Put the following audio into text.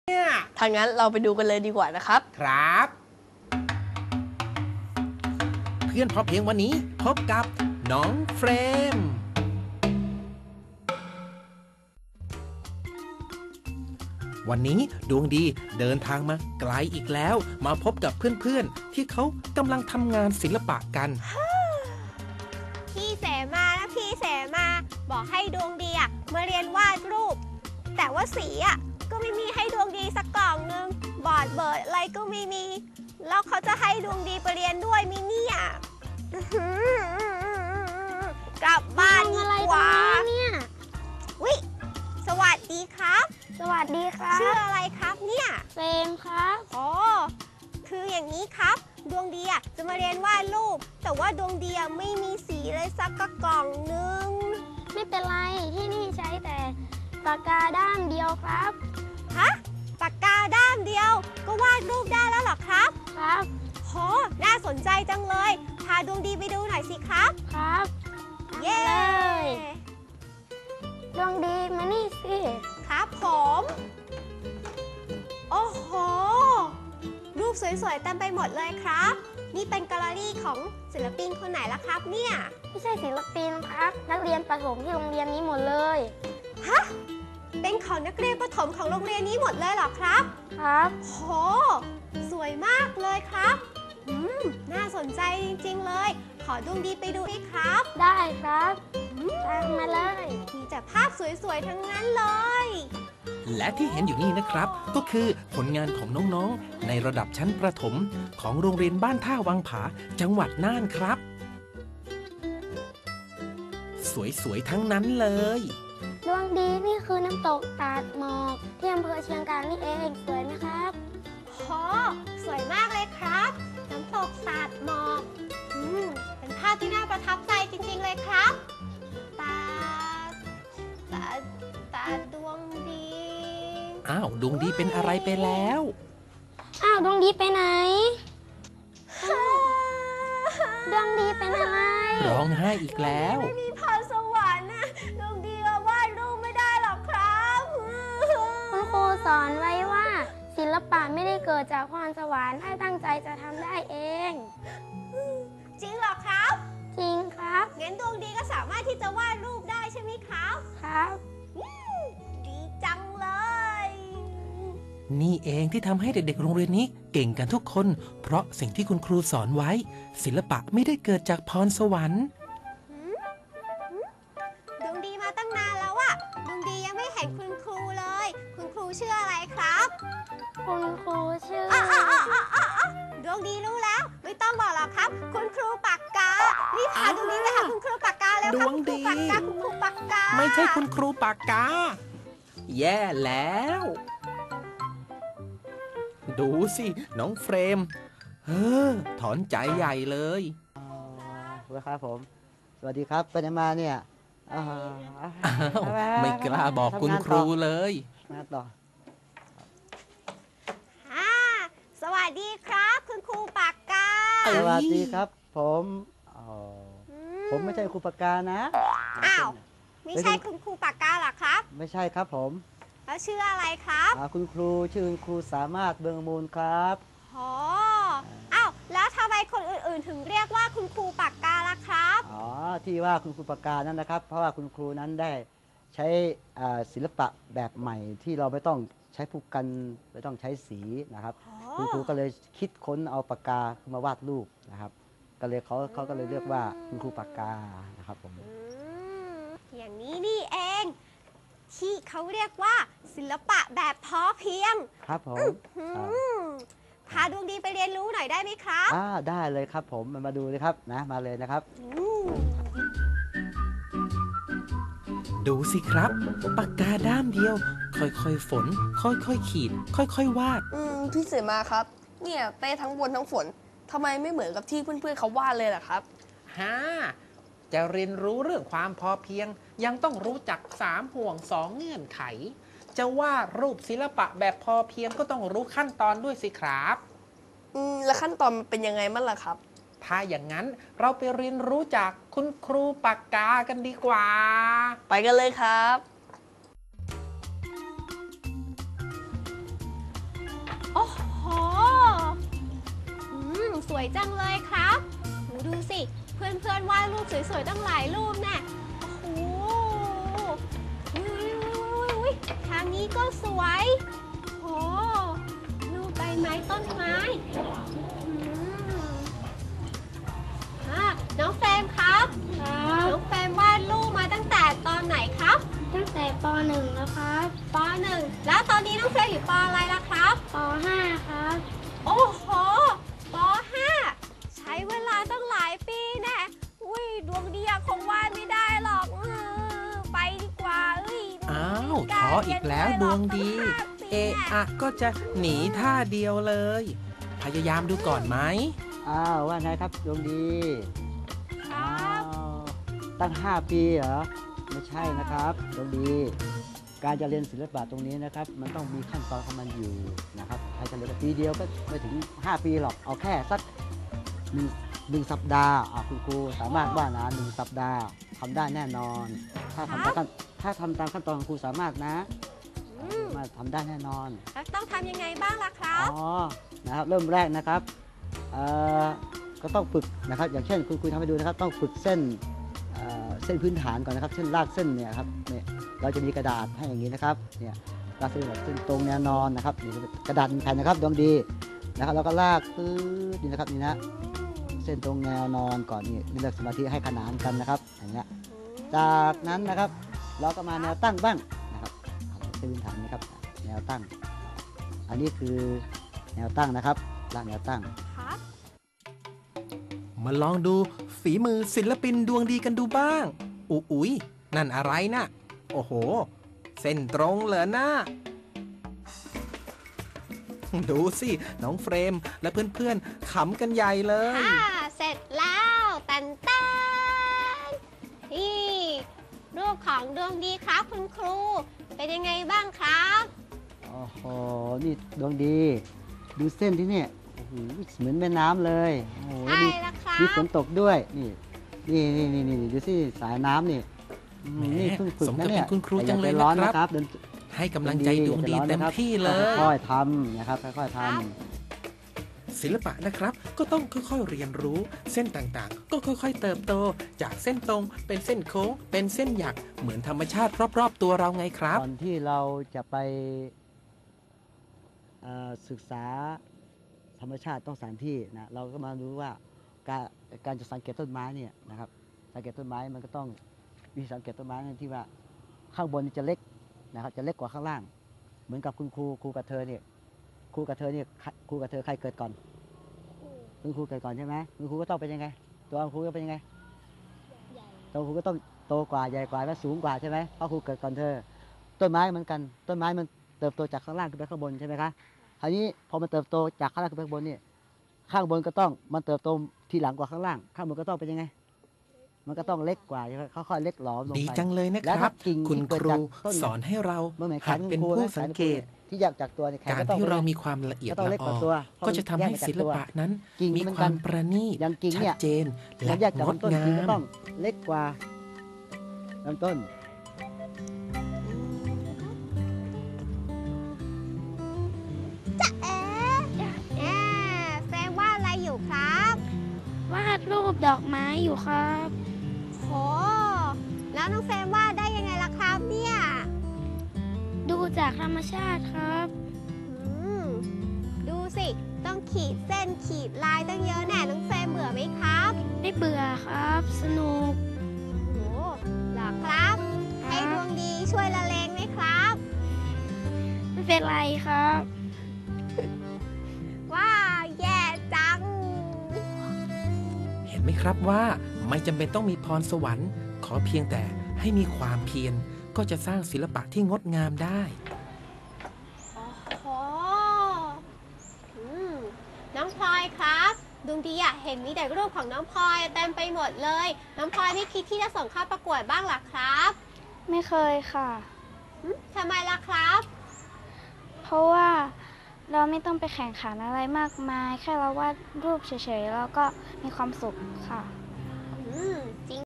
ทางนั้นเราไปดูกันเลยดีกว่านะครับครับเพื่อนพอเพียงวันนี้พบกับน้องเฟรมวันนี้ดวงดีเดินทางมาไกลอีกแล้วมาพบกับเพื่อนๆที่เขากำลังทำงานศิลปะกันพี่เสมานะพี่เสมาบอกให้ดวงดีมาเรียนวาดรูปแต่ว่าสีก็ไม่มีให้ดวงดีสักกล่องนึงบอร์ดเบิร์ดอะไรก็ไม่มีแล้วเขาจะให้ดวงดีไปเรียนด้วยมิเนี่ยกลับบ้านดีกว่าเนี่ยวิสวัสดีครับสวัสดีครับชื่ออะไรครับเนี่ยเฟรมครับอ๋อคืออย่างนี้ครับดวงดีจะมาเรียนวาดรูปแต่ว่าดวงดีไม่มีสีเลยสักกล่องนึงไม่เป็นไรที่นี่ใช้แต่ปากกาด้ามเดียวครับฮะปากกาด้ามเดียวก็วาดรูปได้แล้วหรอครับครับโหน่าสนใจจังเลยพาดวงดีไปดูหน่อยสิครับครับเย้ดวงดีมานี่สิครับผมโอ้โหรูปสวยๆเต็มไปหมดเลยครับนี่เป็นแกลเลอรี่ของศิลปินคนไหนล่ะครับเนี่ยไม่ใช่ศิลปินครับนักเรียนประถมที่โรงเรียนนี้หมดเลยฮะเป็นของนักเรียนประถมของโรงเรียนนี้หมดเลยเหรอครับครับโหสวยมากเลยครับน่าสนใจจริงๆเลยขอดวงดีไปดูด้วยครับได้ครับตามมาเลยมีแต่ภาพสวยๆทั้งนั้นเลยและที่เห็นอยู่นี่นะครับก็คือผลงานของน้องๆในระดับชั้นประถมของโรงเรียนบ้านท่าวังผาจังหวัดน่านครับสวยๆทั้งนั้นเลยดวงดีนี่คือน้ำตกตาดหมอกที่อำเภอเชียงกานนี่เองสวยไหมครับโหสวยมากเลยครับน้ำตกตาดหมอกเป็นภาพที่น่าประทับใจจริงๆเลยครับตาดวงดีอ้าวดวงดีเป็นอะไรไปแล้วอ้าวดวงดีไปไหนดวงดีเป็นอะไรร้องไห้อีกแล้วไม่มีพรสวรรค์ดวงดีวาดรูปไม่ได้หรอกครับคุณครูสอนไว้ว่าศิลปะไม่ได้เกิดจากพรสวรรค์ถ้าตั้งใจจะทำได้เองจริงเหรอครับจริงครับงั้นดวงดีก็สามารถที่จะวาดรูปได้ใช่ไหมครับครับดีจังเลยนี่เองที่ทำให้เด็กๆโรงเรียนนี้เก่งกันทุกคนเพราะสิ่งที่คุณครูสอนไว้ศิลปะไม่ได้เกิดจากพรสวรรค์ดวงดีมาตั้งนานแล้วดวงดียังไม่เห็นคุณครูเลยคุณครูชื่ออะไรครับคุณครูชื่อดวงดีรู้แล้วไม่ต้องบอกหรอกครับคุณครูปากการีบพาดวงดีไปหาคุณครูปากกาแล้วครับดวงดีคุณครูปากกาไม่ใช่คุณครูปากกาแย่แล้วดูสิน้องเฟรมถอนใจใหญ่เลยครับผมสวัสดีครับไปไหนมาเนี่ยไม่กล้าบอกคุณครูเลยมาต่อสวัสดีครับคุณครูปากกาสวัสดีครับผมไม่ใช่ครูปากกานะอ้าวไม่ใช่คุณครูปากกาหรอครับไม่ใช่ครับผมแล้วชื่ออะไรครับคุณครูชื่อคุณครูสามารถเบืองมูลครับอ้าวแล้วทำไมคนอื่นๆถึงเรียกว่าคุณครูปากกาล่ะครับที่ว่าคุณครูปากกานั้นนะครับเพราะว่าคุณครูนั้นได้ใช้ศิลปะแบบใหม่ที่เราไม่ต้องใช้ผู้กันไม่ต้องใช้สีนะครับคุณครูก็เลยคิดค้นเอาปากกามาวาดรูปนะครับก็เลยเขาก็เลยเรียกว่าคุณครูปากกานะครับผมอย่างนี้นี่เองที่เขาเรียกว่าศิลปะแบบพอเพียงครับผมพาดวงดีไปเรียนรู้หน่อยได้ไหมครับได้เลยครับผมมาดูเลยครับนะมาเลยนะครับดูสิครับปากกาด้ามเดียวค่อยๆฝนค่อยๆขีดค่อยๆวาดพี่เสมาครับเนี่ยเต้ทั้งบนทั้งฝนทำไมไม่เหมือนกับที่เพื่อนๆเขาวาดเลยล่ะครับจะเรียนรู้เรื่องความพอเพียงยังต้องรู้จัก3ห่วง2เงื่อนไขจะวาดรูปศิลปะแบบพอเพียงก็ต้องรู้ขั้นตอนด้วยสิครับแล้วขั้นตอนมันเป็นยังไงมั่งล่ะครับถ้าอย่างนั้นเราไปเรียนรู้จากคุณครูปากกากันดีกว่าไปกันเลยครับวยจังเลยครับหนูดูสิเพื่อนๆวาดรูปสวยๆตั้งหลายรูปแน่โอ้โหอุ๊ยทางนี้ก็สวยโอ้รูปใบไม้ต้นไม้น้องเฟรมครับ น้องเฟรมวาดรูปมาตั้งแต่ตอนไหนครับตั้งแต่ป .1 แล้วครับป .1 แล้วตอนนี้น้องเฟรมอยู่ปอะไรล่ะครับป .5 ครับโอ้โหป .5 ใช้เวลาตั้งหลายปีแน่อุ้ยดวงดีอะคงวาดไม่ได้หรอกไปดีกว่าอ้าวท้ออีกแล้วดวงดี เอะอะก็จะหนีท่าเดียวเลย พยายามดูก่อนไหมอ้าวว่าไงครับดวงดีครับตั้ง 5 ปีเหรอไม่ใช่นะครับดวงดี การจะเรียนศิลปะตรงนี้นะครับ มันต้องมีขั้นตอนของมันอยู่นะครับใครจะเรียนปีเดียวก็ไม่ถึง 5 ปีหรอกเอาแค่สักหนึ่งสัปดาห์คุณครูสามารถว่านะ1 สัปดาห์ทำได้แน่นอน ถ้าทำตามขั้นตอนของครูสามารถนะมาทำได้แน่นอนแล้วต้องทำยังไงบ้างล่ะครับนะครับเริ่มแรกนะครับก็ต้องฝึกนะครับอย่างเช่นคุณทำให้ดูนะครับต้องฝึกเส้นพื้นฐานก่อนนะครับเช่นลากเส้นเนี่ยครับเนี่ยเราจะมีกระดาษให้อย่างนี้นะครับเนี่ยลากเส้นแบบเส้นตรงแนวนอนนะครับนี่กระดาษแผ่นนะครับดวงดีนะครับแล้วก็ลากปื๊ดนี่นะครับนี่นะเส้นตรงแนวนอนก่อนนี่เลือกสมาธิให้ขนานกันนะครับอย่างเงี้ยจากนั้นนะครับเราก็มาแนวตั้งบ้างนะครับเส้นพื้นฐานนะครับแนวตั้งอันนี้คือแนวตั้งนะครับลากแนวตั้งครับมาลองดูฝีมือศิลปินดวงดีกันดูบ้างอุ๊ยนั่นอะไรนะโอ้โห เส้นตรงเหรอนะดูสิน้องเฟรมและเพื่อนๆขำกันใหญ่เลยเสร็จแล้วตันนี่รูปของดวงดีครับคุณครูเป็นยังไงบ้างครับโอ้โหนี่ดวงดีดูเส้นที่เนี่ยโอ้โหเหมือนแม่น้ำเลยโอ้โหใช่แล้วครับมีฝนตกด้วยนี่ดูสิสายน้ำนี่นี่เพิ่งฝึกสมนะกับเนี่เป็ยนคุณครูจังเลยอย่าใจร้อนนะนะคครัรับ บให้กำลังใจดวงดีเต็มที่เลยค่อยๆทำนะครับค่อยๆทครับศิลปะนะครับก็ต้องค่อยๆเรียนรู้เส้นต่างๆ ก็ค่อยๆเติบโตจากเส้นตรงเป็นเส้นโค้งเป็นเส้นหยักเหมือนธรรมชาติรอบๆตัวเราไงคำรับก่อนที่เราจะไปศึกษาธรรมชาติต้องสถานที่นะเราก็มารู้ว่าการจะสังเกตต้นไม้เนี่ยนะครับสังเกตต้นไม้มันก็ต้องวิธีสังเกตต้นไม้ที่ว่าข้างบนนี่จะเล็กนะครับจะเล็กกว่าข้างล่าง เหมือนกับคุณครูกับเธอเนี่ยครูกับเธอใครเกิดก่อนคุณครูเกิดก่อนใช่ไหมคุณครูก็ต้องเป็นยังไงตัวคุณครูก็เป็นยังไงตัวครูก็ต้องโตกว่าใหญ่กว่าและสูงกว่าใช่ไหมเพราะครูเกิดก่อนเธอต้นไม้เหมือนกันต้นไม้มันเติบโตจากข้างล่างขึ้นไปข้างบนใช่ไหมคะคราวนี้พอมันเติบโตจากข้างล่างขึ้นไปข้างบนเนี่ยข้างบนก็ต้องมันเติบโตทีหลังกว่าข้างล่างข้างบนก็ต้องเป็นยังไงมันก็ต้องเล็กกว่าใช่ไหมค่อยๆเล็กหลอมลงไปดีจังเลยนะแล้คว รับถ้ากิ่งคุณที่เกิดครูจากต้นสอนให้เราเมื่อไหร่หัดเป็นผู้สังเกตที่แยกจากตัวเนี่ยแขนการก็ต้องที่เราเป็นมีความละเอียดก็ต้องละเล็กอกว่าอตัวก็จะทำให้ศิลปะนั้นกิ่งมีเหมือนคกัวาน มประณีตอย่างกิ่งชัเนี่ดยเจนแล้และวแยกจากงดลำต้นงากิ่งก็มต้องเล็กกว่าลำต้นแฟนว่าอะไรอยู่ครับวาดรูปดอกไม้อยู่ครับโหแล้วน้องแฟนว่าได้ยังไงล่ะครับเนี่ยดูจากธรรมชาติครับดูสิต้องขีดเส้นขีดลายตั้งเยอะแน่น้องแฟนเบื่อไหมครับไม่เบื่อครับ สนุกโหเหรอครับ ให้ดวงดีช่วยละเลงไหมครับไม่เป็นไรครับว้าแย่จังเห็นไหมครับว่าไม่จำเป็นต้องมีพรสวรรค์ขอเพียงแต่ให้มีความเพียรก็จะสร้างศิลปะที่งดงามได้โอ้น้องพลอยครับดวงดีอะเห็นมีแต่รูปของน้องพลอยเต็มไปหมดเลย น้องพลอยไม่คิดที่จะส่งเข้าประกวดบ้างหรอครับไม่เคยค่ะทำไมล่ะครับเพราะว่าเราไม่ต้องไปแข่งขันอะไรมากมาย แค่เราวาดรูปเฉยๆแล้วก็มีความสุขค่ะจริง